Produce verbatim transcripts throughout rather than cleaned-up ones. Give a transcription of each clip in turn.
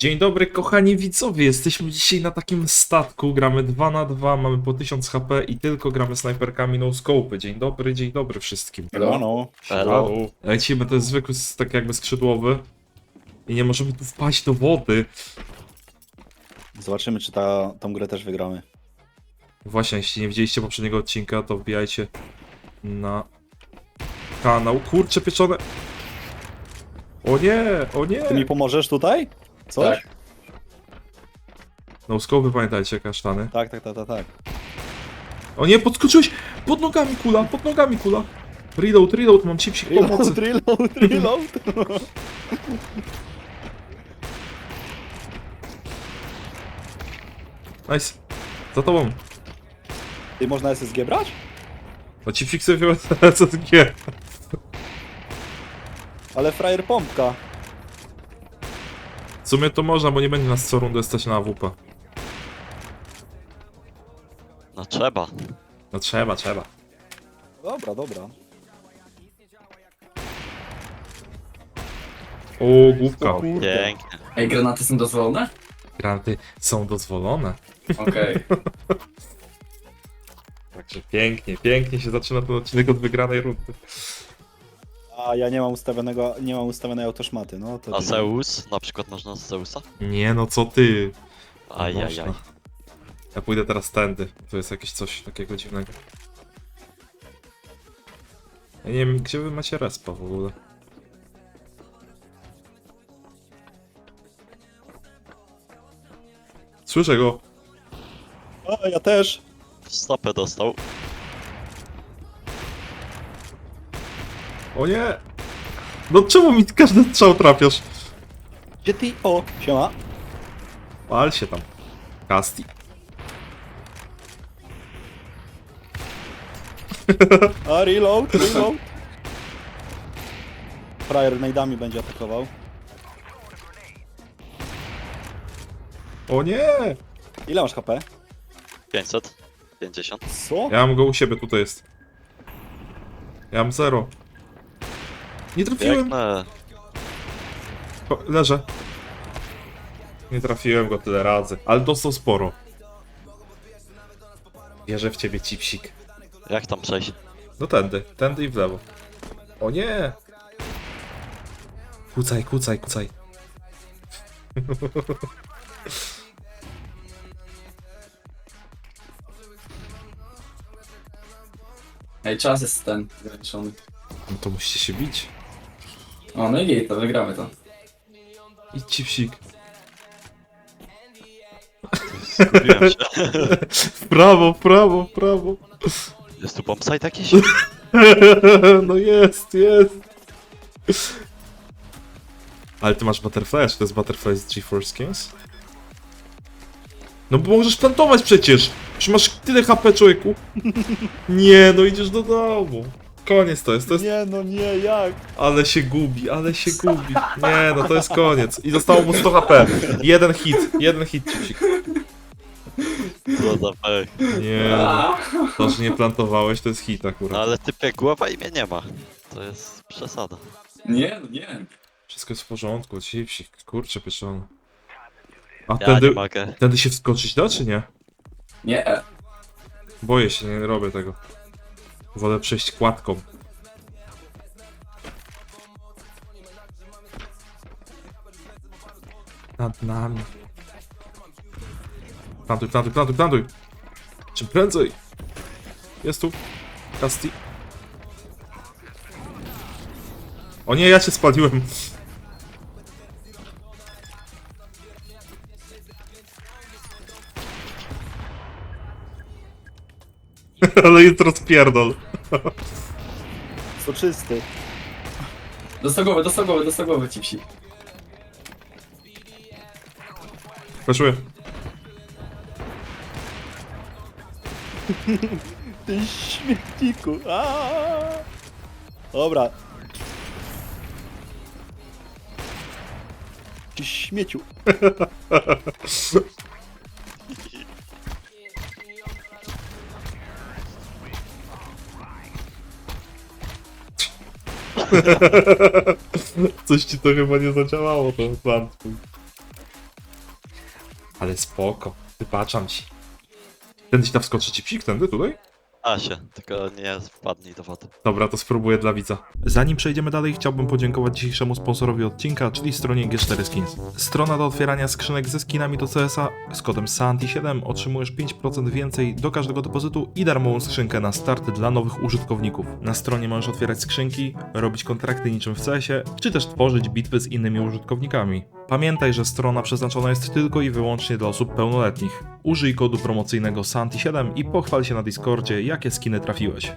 Dzień dobry kochani widzowie, jesteśmy dzisiaj na takim statku, gramy dwa na dwa, mamy po tysiąc H P i tylko gramy snajperkami no scope. Dzień dobry, dzień dobry wszystkim. Hello. Halo. Lecimy, to jest zwykły, tak jakby skrzydłowy i nie możemy tu wpaść do wody. Zobaczymy, czy ta, tą grę też wygramy. Właśnie, jeśli nie widzieliście poprzedniego odcinka, to wbijajcie na kanał. Kurcze pieczone. O nie, o nie. Ty mi pomożesz tutaj? Coś? Tak. No scope, pamiętajcie, kasztany. Tak, tak, tak, tak, tak. O nie, podskoczyłeś! Pod nogami kula, pod nogami kula. Reload, reload, mam chipsik pomocy. Reload, reload, reload. Nice. Za tobą. Ty można S S G brać? No chipsik sobie wziąłem C S G. Ale frajer pompka. W sumie to można, bo nie będzie nas co rundę stać na A W P. No trzeba. No trzeba, trzeba. Dobra, dobra. O, główka. O kurde. Pięknie. Ej, granaty są dozwolone? Granaty są dozwolone. Okej. Także pięknie, pięknie się zaczyna ten odcinek od wygranej rundy. A ja nie mam ustawionego, nie mam ustawionej autoszmaty, no to... A Zeus? Na przykład można z Zeusa? Nie no, co ty? Ajajaj. Można. Ja pójdę teraz tędy. To jest jakieś coś takiego dziwnego. Ja nie wiem, gdzie wy macie respa w ogóle. Słyszę go. A, ja też. W stopę dostał. O nie! No czemu mi każdy strzał trafiasz? Gdzie ty? O, siema. Pal się tam. Casti. A, reload, reload. Frajer najdami będzie atakował. O nie! Ile masz H P? pięćset pięćdziesiąt. Co? Ja mam go u siebie, tutaj jest. Ja mam zero. Nie trafiłem! Piękne. O, leżę. Nie trafiłem go tyle razy, ale dostał sporo. Wierzę w ciebie, cipsik. Jak tam przejść? No tędy, tędy i w lewo. O nie! Kucaj, kucaj, kucaj. Ej, czas jest ten zaliczony. No to musicie się bić. O, no i to wygramy to. Idź, cipsik. Zgubiłem się. W prawo, w prawo, w prawo. Jest tu bombsite jakiś? No jest, jest. Ale ty masz Butterfly, czy to jest Butterfly z GeForce Games? No bo możesz plantować przecież! Przecież masz tyle H P, człowieku. Nie, no idziesz do domu. Koniec to jest, to jest... Nie, no nie, jak? Ale się gubi, ale się gubi. Nie, no to jest koniec. I zostało mu sto H P. Jeden hit, jeden hit, cipsik. Co za pech. Nie, no. To, że nie plantowałeś, to jest hit No akurat. ale typie głowa i mnie nie ma. To jest przesada. Nie, no nie. Wszystko jest w porządku, cipsik, kurczę pieczony. A Ja tędy, nie mogę. tędy się wskoczyć da, czy nie? Nie. Boję się, nie robię tego. Wolę przejść kładką. Nad nami. Plantuj, plantuj, plantuj, plantuj! Czym prędzej! Jest tu. Casti. O nie, ja cię spaliłem. Ale jest rozpierdol. Soczysty. Dostał głowy, dostał głowy, dostał głowy, cipsi. Weszły. Ty śmietniku. Aaaa. Dobra. Ty śmieciu. Coś ci to chyba nie zadziałało, ten plan twój. Ale spoko, wybaczam ci. Tędy ci tam wskoczy ci psik, tędy, tutaj? A się, tylko nie wpadnij do wody. Dobra, to spróbuję dla widza. Zanim przejdziemy dalej, chciałbym podziękować dzisiejszemu sponsorowi odcinka, czyli stronie G cztery Skins. Strona do otwierania skrzynek ze skinami do C S a. Z kodem Santi siedem otrzymujesz pięć procent więcej do każdego depozytu i darmową skrzynkę na start dla nowych użytkowników. Na stronie możesz otwierać skrzynki, robić kontrakty niczym w C S ie, czy też tworzyć bitwy z innymi użytkownikami. Pamiętaj, że strona przeznaczona jest tylko i wyłącznie dla osób pełnoletnich. Użyj kodu promocyjnego Santi siedem i pochwal się na Discordzie, jakie skiny trafiłeś.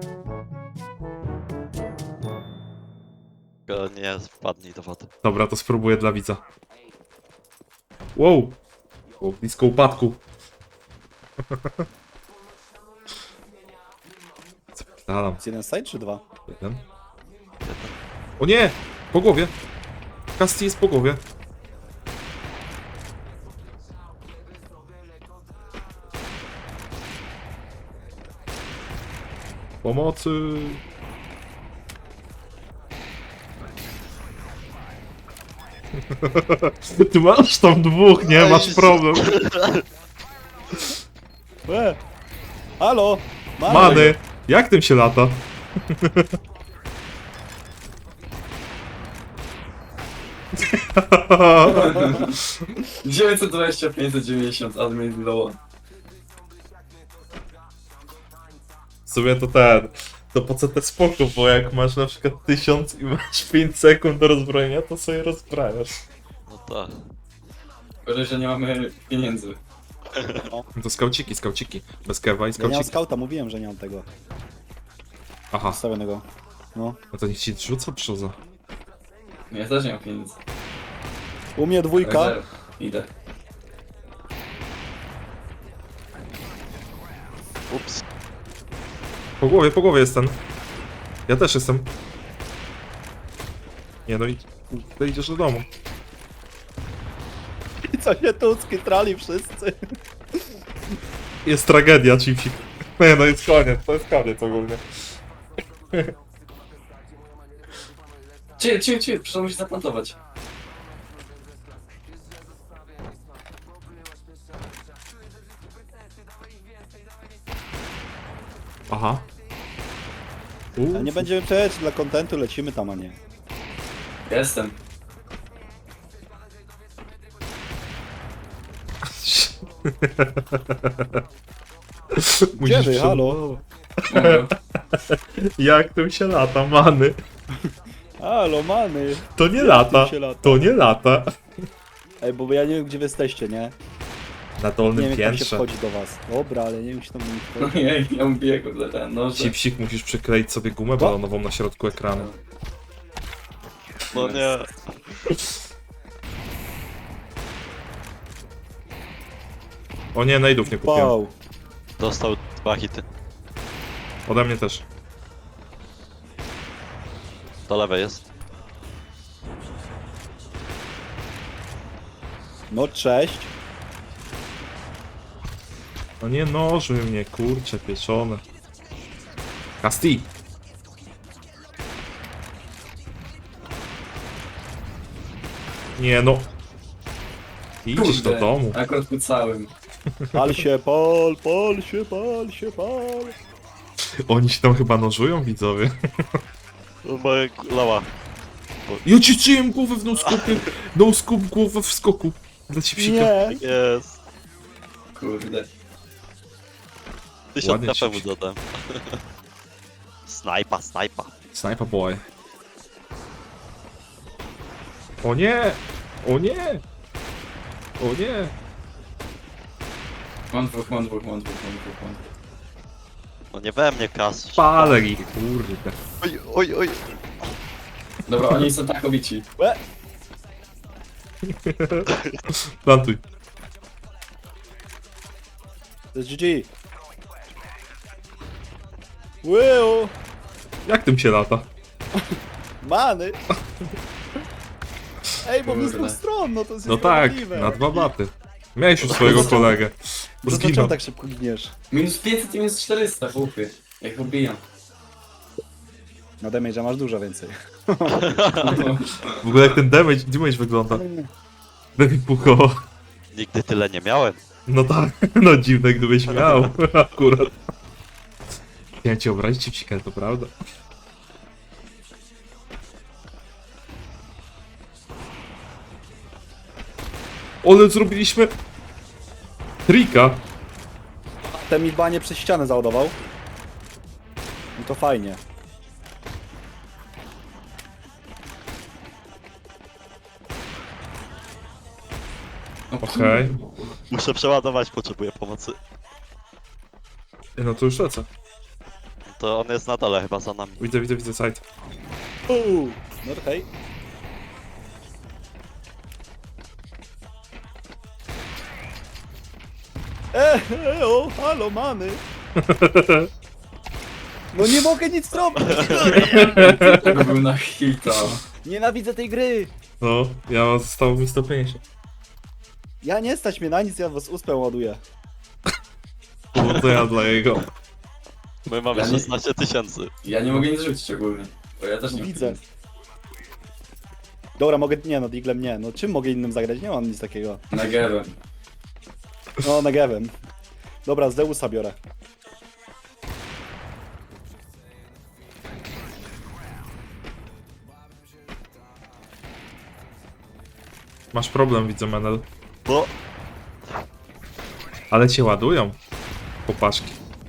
Tylko nie wpadnij do wody. Dobra, to spróbuję dla widza. Wow! O, blisko upadku. Zapytalam. Jest jeden side czy dwa? Jeden. O nie! Po głowie! Casti jest po głowie. Pomocy! Ty masz tam dwóch, nie? Masz problem. E! Halo! Mamy! Many! Jak tym się lata? dziewięćset dwadzieścia, pięćset dziewięćdziesiąt, admin low. W sumie to ten... To po co te spoko, bo jak masz na przykład tysiąc i masz pięć sekund do rozbrojenia, to sobie rozbrajasz. No tak. Gorzej, że nie mamy pieniędzy. To skauciki, skauciki. Bez kewa i Ja nie mam skauciki. skauta, mówiłem, że nie mam tego Aha, ustawionego. No. no to niech ci rzuca przoza. Ja też nie mam pieniędzy. U mnie dwójka. Zero. Idę. Ups. Po głowie, po głowie jest ten. Ja też jestem. Nie no i... Ty idziesz do domu. I co się tu skitrali wszyscy? Jest tragedia, Chipsik. Nie no, jest koniec, to jest koniec ogólnie. Cię, cię, cię, przyszło się zaplantować. Aha. A nie będziemy przejść dla kontentu, lecimy tam, a nie. Jestem. Musisz Gdzie wy, halo? Mogę. Jak tym się lata, many? Halo, many! To nie Jak lata, tym się lata? to nie lata. Ej, bo ja nie wiem, gdzie wy jesteście, nie? Na Nie dolnym wiem, jak tam się piętrze. wchodzi do was. Dobra, ale nie wiem, czy tam nie wchodzi. Ojej, ja mówię kurde ten noże. Chipsik, musisz przykleić sobie gumę balonową na środku ekranu. No nie. O nie, najdów nie kupiłem. Wow. Dostał dwa hity. Ode mnie też. Do lewej jest. No cześć. No nie nożuj mnie, kurcze, pieczone. Casti! Nie no. Idziesz do domu. Akurat po całym. Pal się, pal, pal się, pal się, pal. Oni się tam chyba nożują, widzowie. Moje lała. Ja ci czyjem głowę w no-scopie. No-scope głowę w skoku. Dla Chipsika. Nie. Jest. Kurde. Tysiąc Ładnie K P mu ci- dodam. Snajpa, snajpa. Sniper boy. O nie! O nie! O nie! Mam dwóch, mam dwóch, mam dwóch, mam dwóch, mam dwóch. No nie we mnie kas. Palę ich, kurde. Oj, oj, oj. Dobra, oni są tak obici. Łe. Plantuj. To jest G G. Wow. Jak tym się lata? Many. Ej, bo my z Kurde. dwóch stron, no to jest No tak, niesprawiedliwe. na dwa baty. Miałeś już swojego kolegę. Dlaczego Zginął. tak szybko giniesz? Minus pięćset i minus czterysta, chłopie. Jak obijam. Na damage'a masz dużo więcej. W ogóle jak ten damage, damage wygląda. Daj mi pół koła. Nigdy tyle nie miałem. No tak, no dziwne gdybyś miał, akurat. Chciałem cię obrazić, Cipsik, ale to prawda. Ale zrobiliśmy... Trika. Ten mi banie przez ścianę załadował. I to fajnie. No, Okej. Muszę przeładować, potrzebuję pomocy. No to już lecę. To on jest na dole chyba za nami. Widzę, widzę, widzę site. Uuu, no hej. E, e, o, halo, mamy. No nie mogę nic zrobić. Tego był na hita. Nienawidzę tej gry. No, ja zostało mi sto pięćdziesiąt. Ja nie stać mnie na nic, ja was uspę ładuję. No to ja dla jego. My mamy Ja nie- szesnaście tysięcy. Ja nie mogę nic rzucić ogólnie. Bo ja też nie Widzę. mam. Dobra, mogę, nie no, Diglem nie, no czym mogę innym zagrać? Nie mam nic takiego. Negerem. No, Negevem. Dobra, Zeusa biorę. Masz problem, widzę, Menel. Bo Ale cię ładują. Popaszki.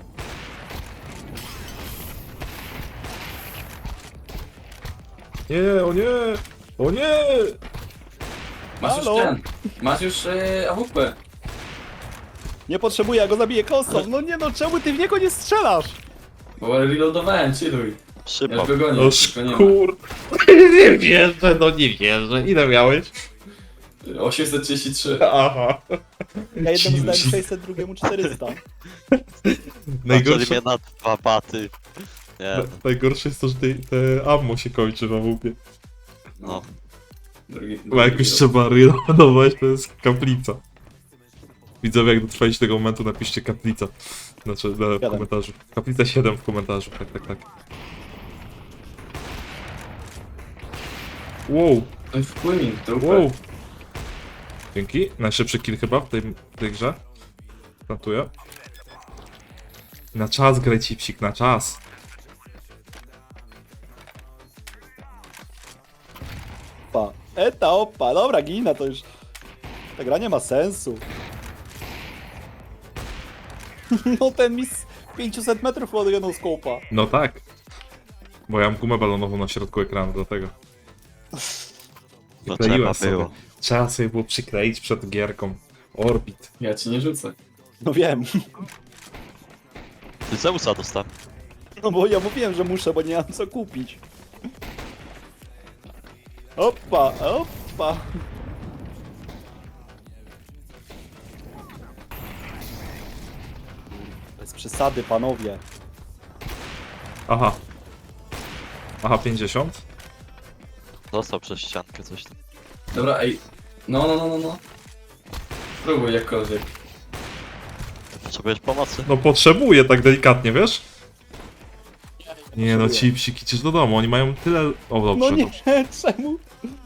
Nie, o nie! O nie! Masz Halo? już ten. Masz już yy, A W P. Nie potrzebuję, ja go zabiję kosą. No nie no, czemu ty w niego nie strzelasz? Bo reloadowałem, chilluj. Ja szybko. już go gonię, No tylko nie ma. szkur... Nie wierzę, no nie wierzę. Ile miałeś? osiemset trzydzieści trzy. Aha. Ja jednemu Dziwnie. zdałem sześćset, drugiemu czterysta. Najgorsze Najgorsze, mnie na dwa baty. Nie, na- najgorsze jest to, że te, te ammo się kończy na łupie. no. Drugi, Bo jak już trzeba reloadować, to jest kaplica. Widzowie, jak dotrwaliście tego momentu, napiszcie kaplica. Znaczy, na, w Siedem. komentarzu. Kaplica siedem w komentarzu, tak, tak, tak. Wow, To jest wpłynik, to wow. Dzięki. Najszybszy kill chyba w tej, w tej grze. Plantuję. Na czas graj, Cipsik, na czas. Opa. Eta, opa, dobra, gina to już. Ta gra nie ma sensu. No ten mi z pięćset metrów ładuje no skopa. No tak. Bo ja mam gumę balonową na środku ekranu, dlatego. No Kleiłem trzeba sobie. było. Trzeba sobie było przykleić przed gierką. Orbit. Ja ci nie rzucę. No wiem. Ty Zeusa dostałem. No bo ja mówiłem, że muszę, bo nie mam co kupić. Opa, opa. Bez przesady, panowie. Aha. Aha, pięćdziesiąt. Dostał przez ściankę coś tam. Dobra, ej. No, no, no, no, no. Spróbuj jakkolwiek. Potrzebujesz pomocy? No potrzebuję tak delikatnie, wiesz? Nie no, Potrzebuję. Cipsik, idziesz do domu, oni mają tyle... O, dobrze, No nie, dobrze. czemu?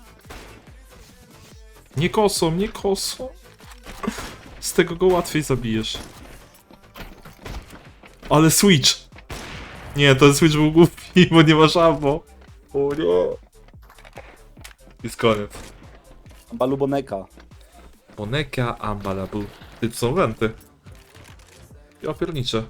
Nie kosą, nie kosą. Z tego go łatwiej zabijesz. Ale Switch! Nie, ten Switch był głupi, bo nie masz ammo. O nie. Jest koniec. Baluboneka. Boneka Ambalabu. Ty, to są wenty. Ja pierniczę.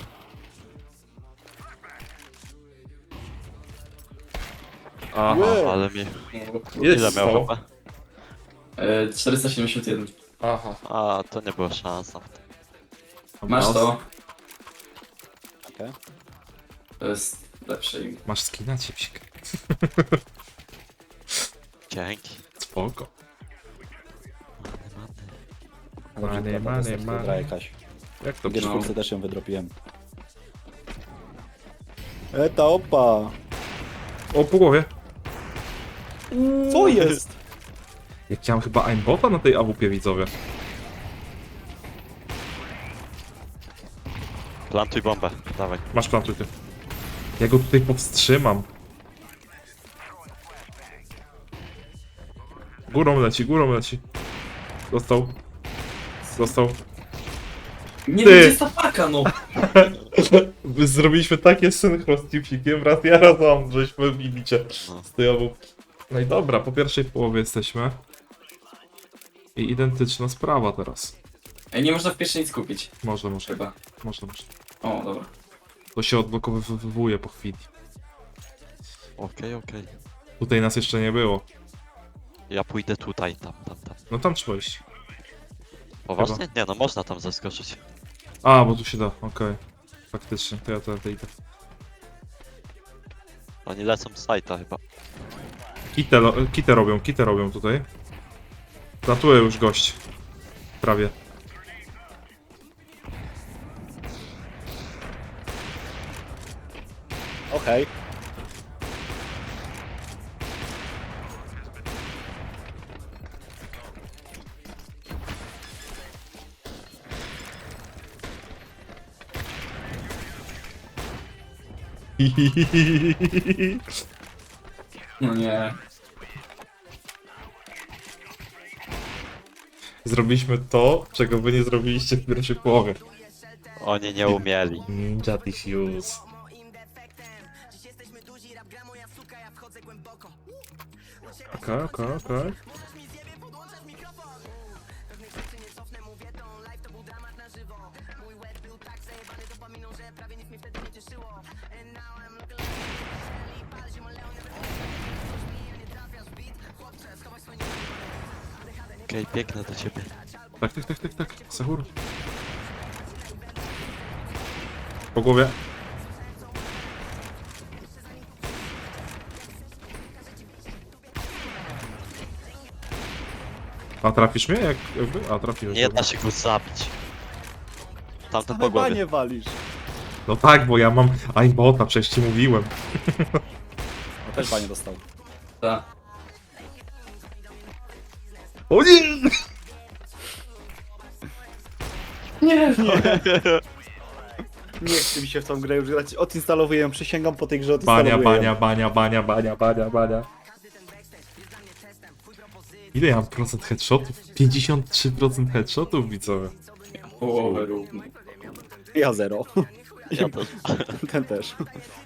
Aha. Łe. Ale mi... No, Jest Ile miał stało. chyba? e, czterysta siedemdziesiąt jeden. Aha. A, to nie była szansa. Masz to. Okej. To jest lepsze im. Masz skina, Cipsik. Dzięki. Spoko. Many, many. Dobrze, Many, prawda, many, to jest many. gra jakaś. Jak to W brzmi? Gierszkulce też ją wydropiłem. Eta, opa. O, po głowie. Co jest? Jak ja mam chyba aimbota na tej A W P, widzowie. Plantuj bombę, dawaj. Masz plantuj ty. Ja go tutaj powstrzymam. Górą leci, górą leci. Dostał. Został. Nie Ty. wiem, gdzie jest ta paka, no. Zrobiliśmy takie synchro z Cipsikiem, raz ja, raz on, żeśmy wbili cię No. z tyłu. No i dobra, po pierwszej połowie jesteśmy. I identyczna sprawa teraz. Ej, nie można w pierwszej nic kupić. Można, można, Chyba. można, można. O, dobra. To się odblokowywuje po chwili. Okej, okej. Tutaj nas jeszcze nie było. Ja pójdę tutaj, tam, tam, tam. No tam trzeba iść. Poważnie? Nie no, można tam zaskoczyć. A, bo tu się da, okej. Faktycznie, to ja to, to idę. Oni lecą z sajta chyba. Kitę, lo- kitę robią, kitę robią tutaj. Zatuje już gość. Prawie. Okej. No nie. Zrobiliśmy to, czego wy nie zrobiliście w pierwszej połowie. Oni nie umieli. Ninja Diffuse. Okej, okej, okej. Okej, biegnę do ciebie. Tak, tak, tak, tak, tak. Sahur. Po głowie. A trafisz mnie? Jak, jakby? A trafiłeś. Nie dobra. da się go zabić. Tamten po Chyba głowie. nie walisz. No tak, bo ja mam aimbota, przecież ci mówiłem. No też panie dostał. Ta. O nie! Nie, Nie chce mi się w tą grę już grać. Odinstalowuję ją, przysięgam po tej grze Bania, odinstalowuję bania, ją. bania, bania, bania, bania, bania. Ile ja mam procent headshotów? pięćdziesiąt trzy procent headshotów, widzowie. połowę równo. Ja zero. Ja też. Ten też.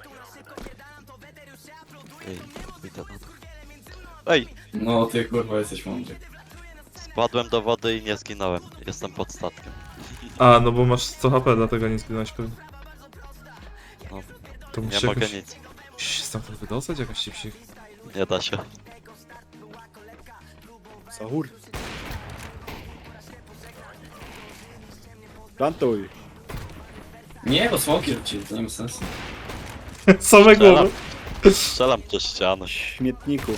Okej, pójdę na dół. Ej! No ty kurwa jesteś mądry. Spadłem do wody i nie zginąłem. Jestem pod statkiem. A, no bo masz sto H P, dlatego nie zginąłeś pewnie. No, To nie musisz mogę jakoś... nic. Musisz się stamtąd wydostać, jakaś ci psich. Nie da się. Sahur. Plantuj. Nie, bo smoki rzucili, to nie ma sensu. Same głowy. Strzelam przez ścianę. Śmietniku.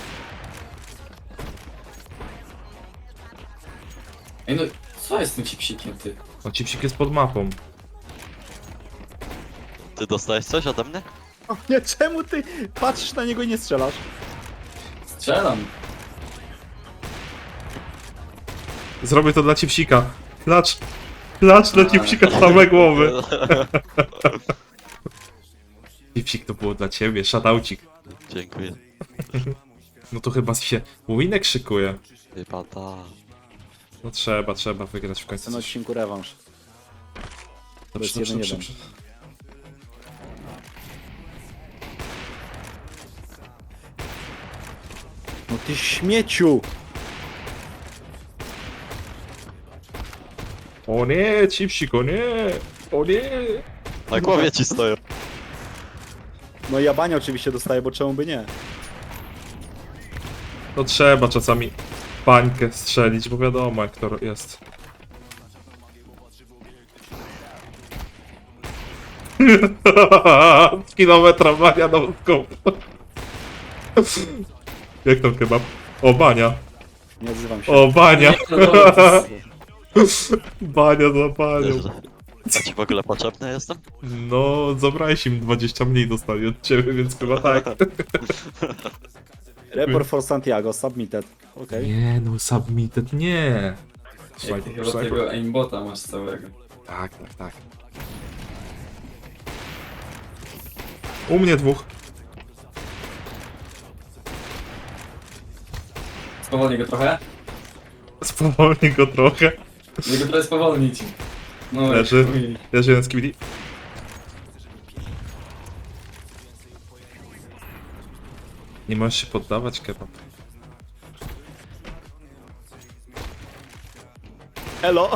Ej no, co jest z tym cipsikiem, ty? O, ci psik jest pod mapą. Ty dostałeś coś ode mnie? O nie, czemu ty patrzysz na niego i nie strzelasz? Strzelam. Zrobię to dla ci psika. Klacz. Klacz dla ci psika same głowy. Ci psik to było dla ciebie, shutoucik. Dziękuję. No to chyba się Winek szykuje. Chyba ta. No trzeba, trzeba wygrać w końcu. Ten coś. odcinku rewanż. Dobrze, jest dobrze, jeden dobrze, jeden. dobrze. No ty śmieciu! O nie, chipsik, o nie! O nie! Na głowie ci stoją. No i ja bania oczywiście dostaję, bo czemu by nie? No trzeba czasami pańkę strzelić, bo wiadomo jak to jest. Z kilometra bania na łódką. Jak tam kebab? O, bania. Nie odzywam się. O, bania. Nie, no dobra, to jest... Bania za panią. Nieźle. A ci w ogóle potrzebny jestem? No, zabrałeś im dwadzieścia mniej dostali od ciebie, więc chyba tak. Report for Santiago, submitted. Okej. Nie, no submitted nie. Ej, ty chyba tego aimbota masz całego. Tak, tak, tak. U mnie dwóch. Spowolnij go trochę. Spowolnij go trochę. Jego trochę spowolnić. No, Leży. chuj. Jest jeden z Skibidi. Nie możesz się poddawać, kebab. Elo,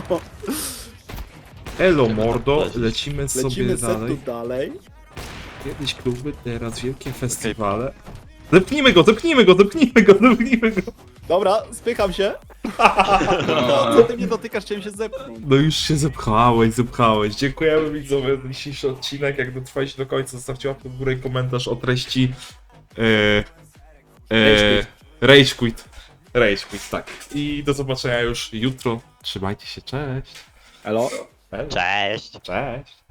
Elo mordo, lecimy sobie lecimy se dalej. tu dalej. Kiedyś kluby, teraz wielkie festiwale. Zepnijmy go, zepnijmy go, zepnijmy go, zepnijmy go. Dobra, spycham się. No. Co ty mnie dotykasz, chciałem się zepchnąć. No już się zepchałeś, zepchałeś. Dziękujemy widzowie za dzisiejszy odcinek. Jak dotrwaliście do końca, zostawcie łapkę w górę i komentarz o treści... Yy, yy, Rage Quit. Rage Quit, tak. I do zobaczenia już jutro. Trzymajcie się, cześć. Elo. Elo. Cześć! Cześć.